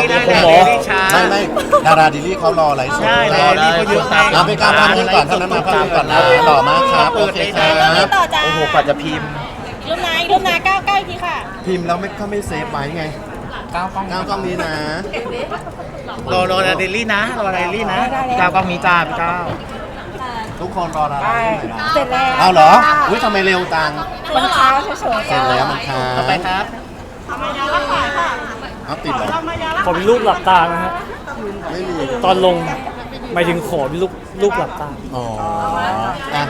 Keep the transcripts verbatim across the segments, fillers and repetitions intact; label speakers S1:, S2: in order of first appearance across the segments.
S1: ลี่ได้
S2: คุณ
S1: นะ
S2: หมอ
S1: เดลี่ช้า
S3: ไม่ไม่ดาราดิลลี่เขารอไลฟ์สด
S1: ใช่
S3: รอ
S1: เดลี่เขาเยอะมาก
S3: เอาไปการพักนึงก่อนเท่านั้นมาพักนึงก่อนนะต่อมาครับโอเคครับ
S4: ต่อจ้า
S1: โอ้โหกว่าจะพิมพ์
S4: ลูกนายลูกนายเก้าเก้าอีกทีค่ะ
S3: พิมพ์แล้วไม่ก็ไม่เซฟไว้ไง
S1: ก้าวกล้อง
S3: ก้าวกล้องนี้นะ
S1: รอรอเดลี่นะรอเดลี่นะก้าวกล้องมีจ้าพี่ก้าว
S3: ทุกคนรอดาราที่ไหนนะ
S4: เสร็จแล้ว
S3: เอาเหรออุ้ยทำไมเร็วจัง
S4: มันช้าเฉยๆ
S3: เสร็จแล้วมันค้า
S1: ต่อไปครับ
S3: เอาติดเหรอ
S2: ขอเป็นรูปหลับตานะฮะ
S3: ไม่มี
S2: ตอนลงหมายถึงขอเป็นรูปรูปหลับตา
S3: อ๋ออ่ะ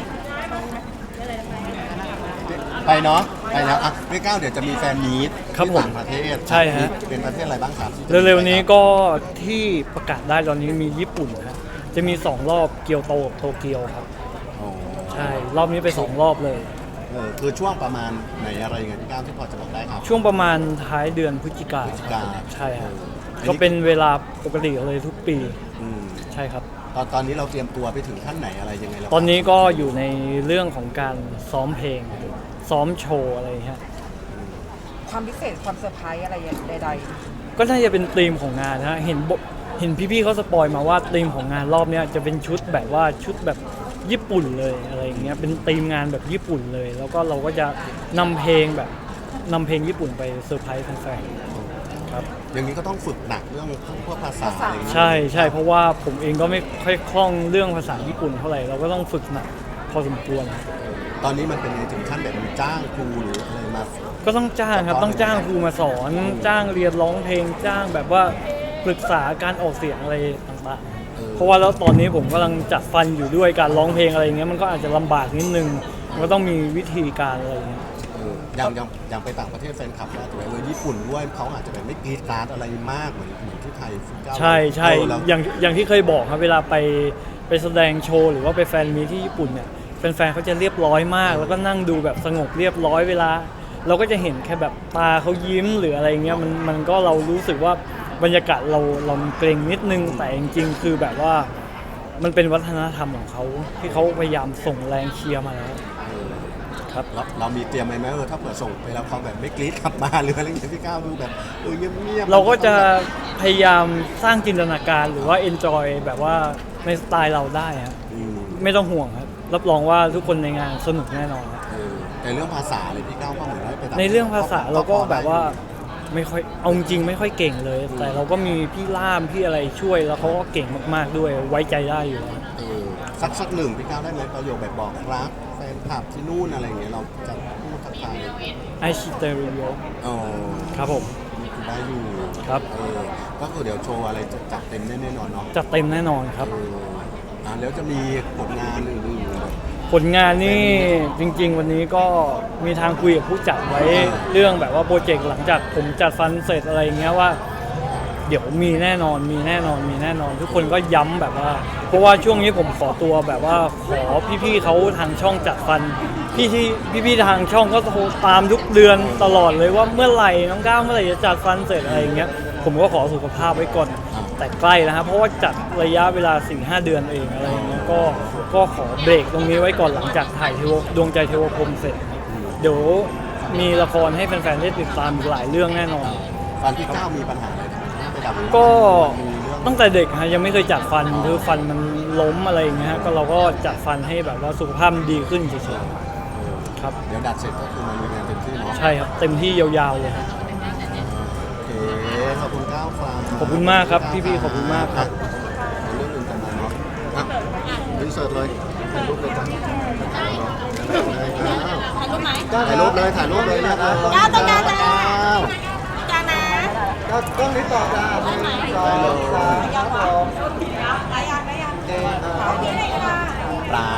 S3: ไปเนาะไปแล้วอ่ะพี่ก้าวเดี๋ยวจะมีแฟนมีต
S2: ครับ
S3: ที่
S2: ผม
S3: ต่างประเทศ
S2: ใช่ฮะ
S3: เป็นประเทศอะไรบ้างครับที่จะ
S2: เร็วๆนี้ก็ที่ประกาศได้ตอนนี้มีญี่ปุ่นฮะจะมีสองรอบเกียวโตกับโตเกียวครับ
S3: อ๋อ
S2: ใช่รอบนี้ไปสองรอบเลย
S3: เออคือช่วงประมาณไหนอะไรยังไงพี่ก้าวที่พอจะบอกได้ครับ
S2: ช่วงประมาณท้ายเดือนพฤศจิกา
S3: พฤศจิกา
S2: ใช่ฮะ
S3: อันนี้
S2: ก็เป็นเวลาปกติเลยทุกปี
S3: อืม
S2: ใช่ครับ
S3: ตอนตอนนี้เราเตรียมตัวไปถึงขั้นไหนอะไรยังไงแล้ว
S2: ตอนนี้ก็อยู่ในเรื่องของการซ้อมเพลง ซ้อมโชว์อะไรฮะ
S5: ความพิเศษความเซอร์ไพรส์อะไรใด
S2: ก็น่าจะเป็นธีมของงานนะฮะเห็นบเห็นพี่ๆเขาสปอยมาว่าธีมของงานรอบเนี้ยจะเป็นชุดแบบว่าชุดแบบญี่ปุ่นเลยอะไรอย่างเงี้ยเป็นธีมงานแบบญี่ปุ่นเลย แล้วก็เราก็จะนำเพลงแบบนำเพลงญี่ปุ่นไปเซอร์ไพรส์แฟนๆครับ
S3: อย่างนี้ก็ต้องฝึกหนักเรื่องพวกภาษาอะไรอย่างเงี้ย
S2: ใช่ใช่เพราะว่าผมเองก็ไม่ค่อยคล่องเรื่องภาษาญี่ปุ่นเท่าไหร่เราก็ต้องฝึกหนักพอสมควร
S3: ตอนนี้มันเป็นไงถึงขั้นแบบจ้างครูหรืออะไรมา
S2: ก็ต้องจ้างครับต้องจ้างครูมาสอน จ้างเรียนร้องเพลงจ้างแบบว่าปรึกษาการออกเสียงอะไรต่างๆเพราะว่าแล้วตอนนี้ผมกำลังจัดฟันอยู่ด้วยการร้องเพลงอะไรอย่างเงี้ยมันก็อาจจะลำบากนิดนึงมันก็ต้องมีวิธีการอะไรอย่างเงี้ย
S3: เอออย่างอย่างอย่างไปต่างประเทศแฟนคลับอาจจะแบบเออญี่ปุ่นด้วยเขาอาจจะแบบไม่กรีดกราร์ดอะไรมากเหมือนเหมือนที่ไทยฟุตเก้า
S2: ใช่ใช่
S3: เออแล้ว
S2: อย่างอย่างที่เคยบอกครับเวลาไปไปแสดงโชว์หรือว่าไปแฟนมีตที่ญี่ปุ่นเนี่ยแฟนๆเขาจะเรียบร้อยมาก แล้วก็นั่งดูแบบสงบเรียบร้อยเวลา เราก็จะเห็นแค่แบบตาเขายิ้มหรืออะไรเงี้ยมันมันก็เรารู้สึกว่าบรรยากาศเราเราเกรงนิดนึงแต่จริงๆคือแบบว่ามันเป็นวัฒนธรรมของเขาที่เขาพยายามส่งแรงเชียร์มาแล้ว ครับ
S3: เราเรามีเตรียมไหมไหมเออถ้าเผื่อส่งไปแล้วเขาแบบไม่กรี๊ดกลับมาหรืออะไรอย่างเงี้ยพี่ก้าวดูแบบเออเงียบๆ
S2: เราก็จะพยายามสร้างจินตนาการหรือว่า enjoy แบบว่าในสไตล์เราได้ฮะ
S3: อืม
S2: ไม่ต้องห่วงครับรับรองว่าทุกคนในงานสนุกแน่นอนครับ
S3: เออแต่เรื่องภาษาเลยพี่ก้าวก็เหมือนว่าไปต่
S2: ในเรื่องภาษาเราก็แบบว่าไม่ค่อยเอาจริงไม่ค่อยเก่งเลย แต่เราก็มีพี่ล่ามพี่อะไรช่วยแล้วเขาก็เก่งมากๆด้วยไว้ใจได้อยู่แล้ว
S3: เออสักสักหนึ่งพี่ก้าวได้ไหมประโยคแบบบอกรักแฟนคลับที่นู่นอะไรอย่างเงี้ยเราจะพูดทักทาย
S2: ไอชิเตอริโย
S3: อ๋อ
S2: ครับผม
S3: ได้อยู่
S2: ครับ
S3: เออก็คือเดี๋ยวโชว์อะไรจะจัดเต็มแน่ๆนอนเนาะ
S2: จัดเต็มแน่นอนครับ
S3: เอออ่าแล้วจะมีผลงานอื่นๆแบบ
S2: ผลงานนี่จริง ๆ วันนี้ก็มีทางคุยกับผู้จัดไว้เรื่องแบบว่าโปรเจกต์หลังจากผมจัดฟันเสร็จอะไรอย่างเงี้ยว่า เดี๋ยวมีแน่นอนมีแน่นอนมีแน่นอน ทุกคนก็ย้ำแบบว่า เพราะว่าช่วงนี้ผมขอตัวแบบว่าขอพี่ๆเขาทางช่องจัดฟันพี่ที่พี่ๆทางช่องก็โทรตามทุกเดือนตลอดเลยว่าเมื่อไหร่น้องก้าวเมื่อไหร่จะจัดฟันเสร็จอะไรอย่างเงี้ยผมก็ขอสุขภาพไว้ก่อนแต่ใกล้แล้วครับเพราะว่าจัดระยะเวลา สี่ห้า เดือนเองอะไรอย่างเงี้ยก็ก็ขอเบรกตรงนี้ไว้ก่อนหลังจากถ่ายเทวดวงใจเทวพรหมเสร็จเดี๋ยวมีละครให้แฟนๆได้ติดตามอีกหลายเรื่องแน่นอน
S3: ฟันพี่ก้าวมีปัญหาอะไรไปดับ
S2: ก็
S3: มีเรื่อง
S2: ตั้งแต่เด็กฮะยังไม่เคยจัดฟันคือฟันมันล้มอะไรอย่างเงี้ยฮะก็เราก็จัดฟันให้แบบว่าสุขภาพมันดีขึ้นเฉยๆครับ
S3: เดี๋ยวดัดเสร็จก็คือมาลุยงานเต็มที่เนาะ
S2: ใช่ครับเต็มที่ยาวๆเลยครับ
S3: โอเคขอบคุณก้าวฟัง
S2: ขอบคุณมากครับพี่ๆขอบคุณมากครับ
S3: เรื่องอื่นกันมาเนาะอ่ะรีเสิร์ชเลยถ่ายรูปเลยจ้ะ
S4: ถ่ายรูปไหม
S3: ถ่ายรูปเลยถ่ายรูปเลยนะครับ
S4: ก้าวต้องการจ้า
S3: ก้าว
S4: จานะ
S3: ก้าวกล้องนี้ต่อจ้าได้ไหมได้เลย
S4: ยาวค่ะได้ยังได้ยังโอเคเลยค่ะ
S3: ปลาย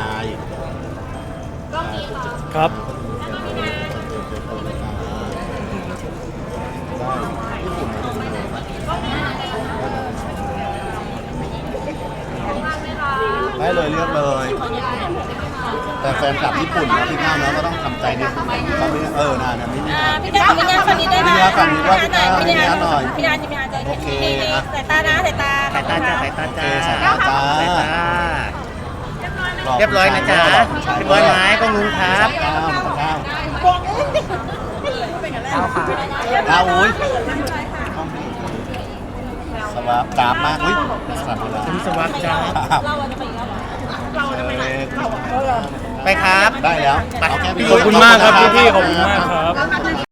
S2: ครับ
S3: ได้เลยเลือกเลย แต่แฟนคลับญี่ปุ่นนะพี่ก้าวนะก็ต้องทำใจนิดนึงเขาไม่เออนาเนี่ยไม่มี
S4: อ่าพี่ก้าวพี่ก้าวฝั่งนี้ได้ไหม
S3: พี่ก้าวฝั่งนี้ด้วยพี่ก้าว
S4: พี่
S3: พี่ก้าวหน่อย
S4: พี่ก้าวพี่ก้าวจะ
S3: โอเค
S4: สายตานะสายตา
S1: สายตาจ้าสายตาจ้า
S3: สายตาจ้า
S1: สายตาเรียบร้อยนะจ๊ะเรียบร้อยไหมก็งุ้งครับ
S3: ก้าวก้าว
S4: ก้าวค่ะ
S3: ก้าวอุ้ยสวัสดีจ้าบมากอุ้ยสั่นเลย
S1: คุณสวัสดิ์จ้า
S4: เราจะไปอีกแล้วเหรอเราจะไปไหนเราอะ
S1: ไปครับ
S3: ได้แล้ว
S1: ไป
S3: เาแนี้
S2: ขอบคุณมากครับพี่ๆขอบคุณมากครับ